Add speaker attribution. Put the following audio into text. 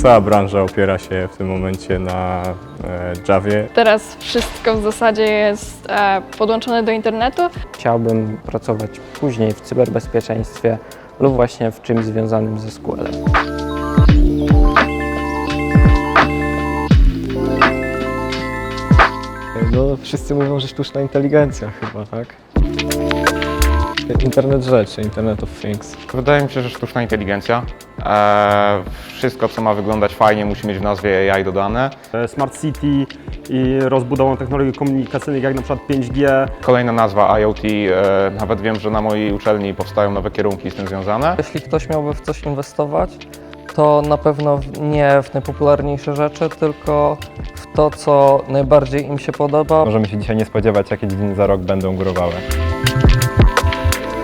Speaker 1: Cała branża opiera się w tym momencie na Javie.
Speaker 2: Teraz wszystko w zasadzie jest podłączone do internetu.
Speaker 3: Chciałbym pracować później w cyberbezpieczeństwie lub właśnie w czymś związanym ze SQL-em.
Speaker 4: No, wszyscy mówią, że sztuczna inteligencja chyba, tak? Internet rzeczy, Internet of Things.
Speaker 5: Wydaje mi się, że sztuczna inteligencja. Wszystko, co ma wyglądać fajnie, musi mieć w nazwie AI dodane.
Speaker 6: Smart City i rozbudową technologii komunikacyjnych jak na przykład 5G.
Speaker 5: Kolejna nazwa IoT. Nawet wiem, że na mojej uczelni powstają nowe kierunki z tym związane.
Speaker 3: Jeśli ktoś miałby w coś inwestować, to na pewno nie w najpopularniejsze rzeczy, tylko w to, co najbardziej im się podoba.
Speaker 1: Możemy się dzisiaj nie spodziewać, jakie dziedziny za rok będą górowały.